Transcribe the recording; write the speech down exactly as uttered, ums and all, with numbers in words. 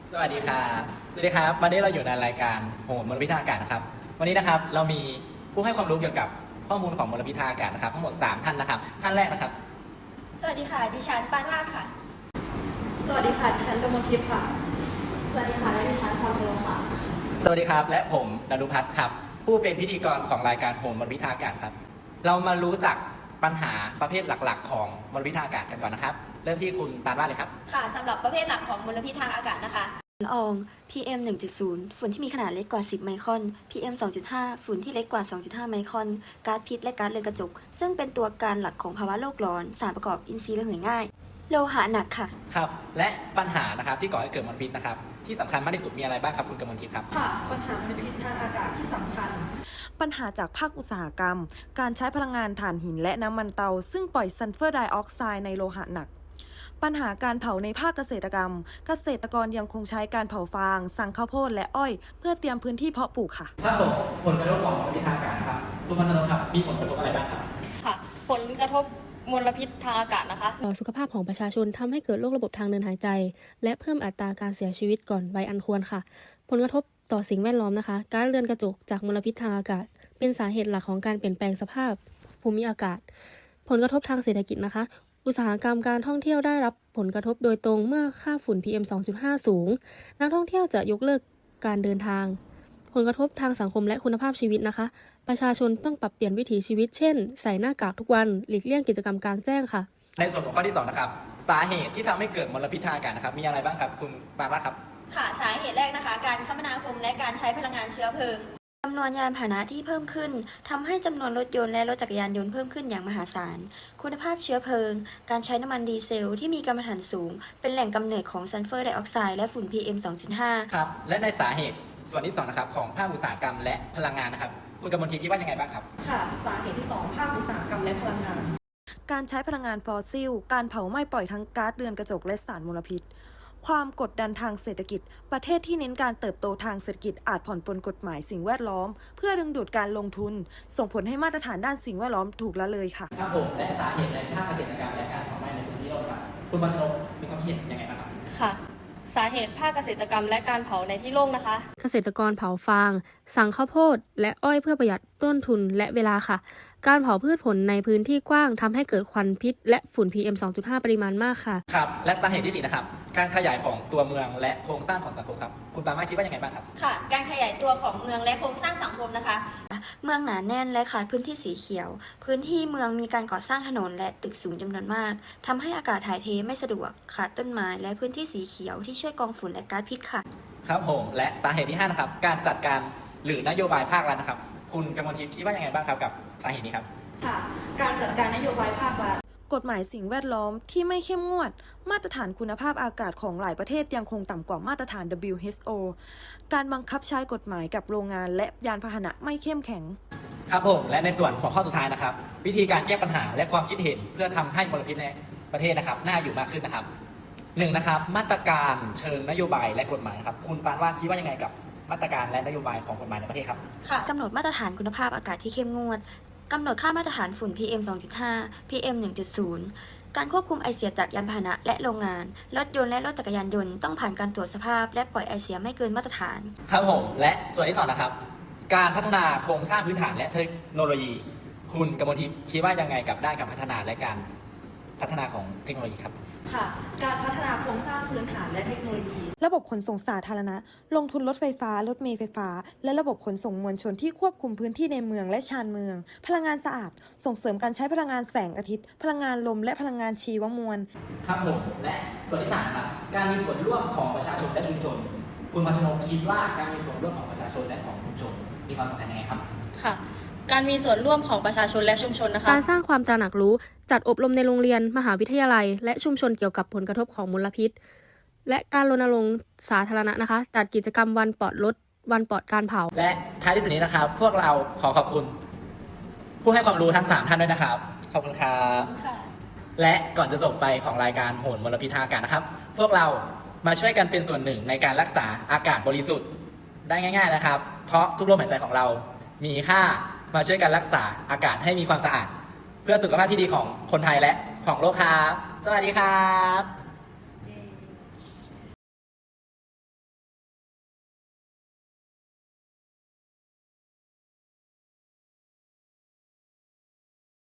สวัสดีครับสวัสดีครับวันนี้เราอยู่ในรายการโหนมลพิษทางอากาศนะครับวันนี้นะครับเรามีผู้ให้ความรู้เกี่ยวกับข้อมูลของมลพิษทางอากาศนะครับทั้งหมดสามท่านนะครับท่านแรกนะครับสวัสดีค่ะดิฉันปานวาดค่ะสวัสดีค่ะดิฉันกมลทิพย์ค่ะสวัสดีค่ะและดิฉันพรชนกค่ะสวัสดีครับและผมดารุพัฒน์ครับผู้เป็นพิธีกรของรายการโหนมลพิษทางอากาศครับเรามารู้จักปัญหาประเภทหลักๆ ของมลพิษทางอากาศกันก่อนนะครับเริ่มที่คุณปานวาดเลยครับค่ะสำหรับประเภทหลักของมลพิษทางอากาศนะคะฝุ่นละออง พี เอ็ม หนึ่งจุดศูนย์ ฝุ่นที่มีขนาดเล็กกว่า สิบ ไมครอน พี เอ็ม สองจุดห้า ฝุ่นที่เล็กกว่า สองจุดห้า ไมครอน ก๊าซพิษและก๊าซเรือนกระจก ซึ่งเป็นตัวการหลักของภาวะโลกร้อน สารประกอบอินทรีย์ระเหยง่าย โลหะหนักค่ะครับและปัญหานะครับที่ก่อให้เกิดมลพิษนะครับที่สำคัญมากที่สุดมีอะไรบ้างครับคุณกมลทิพย์ครับค่ะปัญหามลพิษทางอากาศที่สำคัญปัญหาจากภาคอุตสาหกรรมการใช้พลังงานถ่านหินและน้ำมันเตาซึ่งปล่อยซัลเฟอร์ไดออกไซด์ในโลหะหนักปัญหาการเผาในภาคเกษตรกรรมเกษตรกรยังคงใช้การเผาฟางสั่งข้าวโพดและอ้อยเพื่อเตรียมพื้นที่เพาะปลูกค่ะครับผมผลกระทบของมลพิษทางอากาศครับคุณพัชรครับมีผลกระทบอะไรบ้างครับค่ะผลกระทบมลพิษทางอากาศนะคะต่อสุขภาพของประชาชนทำให้เกิดโรคระบบทางเดินหายใจและเพิ่มอัตราการเสียชีวิตก่อนวัยอันควรค่ะผลกระทบต่อสิ่งแวดล้อมนะคะก๊าซเรือนกระจกจากมลพิษทางอากาศเป็นสาเหตุหลักของการเปลี่ยนแปลงสภาพภูมิอากาศผลกระทบทางเศรษฐกิจนะคะอุตสาหกรรมการท่องเที่ยวได้รับผลกระทบโดยตรงเมื่อค่าฝุ่น พี เอ็ม สองจุดห้า สูงนักท่องเที่ยวจะยกเลิกการเดินทางผลกระทบทางสังคมและคุณภาพชีวิตนะคะประชาชนต้องปรับเปลี่ยนวิถีชีวิตเช่นใส่หน้ากากทุกวันหลีกเลี่ยงกิจกรรมกลางแจ้งค่ะในส่วนของข้อที่สองนะครับสาเหตุที่ทำให้เกิดมลพิษทางอากาศนะครับมีอะไรบ้างครับคุณปานวาดครับค่ะสาเหตุแรกนะคะการคมนาคมและการใช้พลังงานเชื้อเพลิงจำนวนยานพาหนะที่เพิ่มขึ้นทำให้จำนวนรถยนต์และรถจักรยานยนต์เพิ่มขึ้นอย่างมหาศาลคุณภาพเชื้อเพลิงการใช้น้ำมันดีเซลที่มีกัมมันถันสูงเป็นแหล่งกำเนิดของซัลเฟอร์ไดออกไซด์และฝุ่น พี เอ็ม สองจุดห้าครับและในสาเหตุส่วนที่สองนะครับของภาคอุตสาหกรรมและพลังงานนะครับคุณกมลทิพย์คิดว่ายังไงบ้างครับค่ะสาเหตุที่สองภาคอุตสาหกรรมและพลังงานการใช้พลังงานฟอสซิลการเผาไหม้ปล่อยทั้งก๊าซเรือนกระจกและสารมลพิษความกดดันทางเศรษฐกิจประเทศที่เน้นการเติบโตทางเศรษฐกิจอาจผ่อนปลนกฎหมายสิ่งแวดล้อมเพื่อดึงดูดการลงทุนส่งผลให้มาตรฐานด้านสิ่งแวดล้อมถูกละเลยค่ะครับผมและสาเหตุในภาคเกษตรกรรมและการเผาไหม้ในพื้นที่โลกครับคุณพัชรมีความเห็นยังไงบ้างครับค่ะสาเหตุภาคเกษตรกรรมและการเผาในที่โล่งนะคะเกษตรกรเผาฟางสั่งข้าวโพดและอ้อยเพื่อประหยัดต้นทุนและเวลาค่ะการเผาพืชผลในพื้นที่กว้างทำให้เกิดควันพิษและฝุ่น พี เอ็ม สองจุดห้า ปริมาณมากค่ะครับและสาเหตุที่สี่นะครับการขยายของตัวเมืองและโครงสร้างของสังคมครับคุณปามาคิดว่ายังไงบ้างครับค่ะการขยายตัวของเมืองและโครงสร้างสังคมนะคะเมืองหนาแน่นและขาดพื้นที่สีเขียวพื้นที่เมืองมีการก่อสร้างถนนและตึกสูงจำนวนมากทำให้อากาศถ่ายเทไม่สะดวกขาดต้นไม้และพื้นที่สีเขียวที่ช่วยกรองฝุ่นและก๊าซพิษค่ะครับผมและสาเหตุที่ห้านะครับการจัดการหรือนโยบายภาครัฐนะครับคุณกมลทิพย์คิดว่ายังไงบ้างครับกับสาเหตุนี้ครับค่ะการจัดการนโยบายภาครัฐกฎหมายสิ่งแวดล้อมที่ไม่เข้มงวดมาตรฐานคุณภาพอากาศของหลายประเทศยังคงต่ำกว่ามาตรฐาน ดับเบิลยู เอช โอ การบังคับใช้กฎหมายกับโรงงานและยานพาหนะไม่เข้มแข็งครับผมและในส่วนหัวข้อสุดท้ายนะครับวิธีการแก้ปัญหาและความคิดเห็นเพื่อทำให้มลพิษในประเทศนะครับน่าอยู่มากขึ้นนะครับหนึ่งนะครับมาตรการเชิงนโยบายและกฎหมายครับคุณปานวาดคิดว่ายังไงกับมาตรการและนโยบายของกฎหมายในประเทศครับค่ะกำหนดมาตรฐานคุณภาพอากาศที่เข้มงวดกำหนดค่ามาตรฐานฝุ่น พี เอ็ม สองจุดห้า พี เอ็ม หนึ่งจุดศูนย์ การควบคุมไอเสียจากยานพาหนะและโรงงานรถยนต์และรถจักรยานยนต์ต้องผ่านการตรวจสภาพและปล่อยไอเสียไม่เกินมาตรฐานครับผมและส่วนที่สองนะครับการพัฒนาโครงสร้างพื้นฐานและเทคโนโลยี คุณกมลทิพย์คิดว่ายังไงกับด้านการพัฒนาและการพัฒนาของเทคโนโลยีครับค่ะการพัฒนาโครงสร้างพื้นฐานและเทคโนโลยีระบบขนส่งสาธารณะลงทุนรถไฟฟ้ารถเมล์ไฟฟ้าและระบบขนส่งมวลชนที่ควบคุมพื้นที่ในเมืองและชานเมืองพลังงานสะอาดส่งเสริมการใช้พลังงานแสงอาทิตย์พลังงานลมและพลังงานชีวมวลครับผมและส่วนที่สามครับการมีส่วนร่วมของประชาชนและชุมชนคุณพัชรคิดว่าการมีส่วนร่วมของประชาชนและของชุมชนมีความสำคัญยังไงครับค่ะการมีส่วนร่วมของประชาชนและชุมชนนะคะการสร้างความตระหนักรู้จัดอบรมในโรงเรียนมหาวิทยาลัยและชุมชนเกี่ยวกับผลกระทบของมลพิษและการรณรงค์สาธารณะนะคะจัดกิจกรรมวันปลอดรถวันปลอดการเผาและท้ายที่สุดนี้นะครับพวกเราขอขอบคุณผู้ให้ความรู้ทั้งสามท่านด้วยนะครับขอบคุณครับและก่อนจะจบไปของรายการโหนมลพิษทางอากาศนะครับพวกเรามาช่วยกันเป็นส่วนหนึ่งในการรักษาอากาศบริสุทธิ์ได้ง่ายๆนะครับเพราะทุกลมหายใจของเรามีค่ามาช่วยกันรักษาอากาศให้มีความสะอาดเพื่อสุขภาพที่ดีของคนไทยและของโลกครับสวัสดีครับ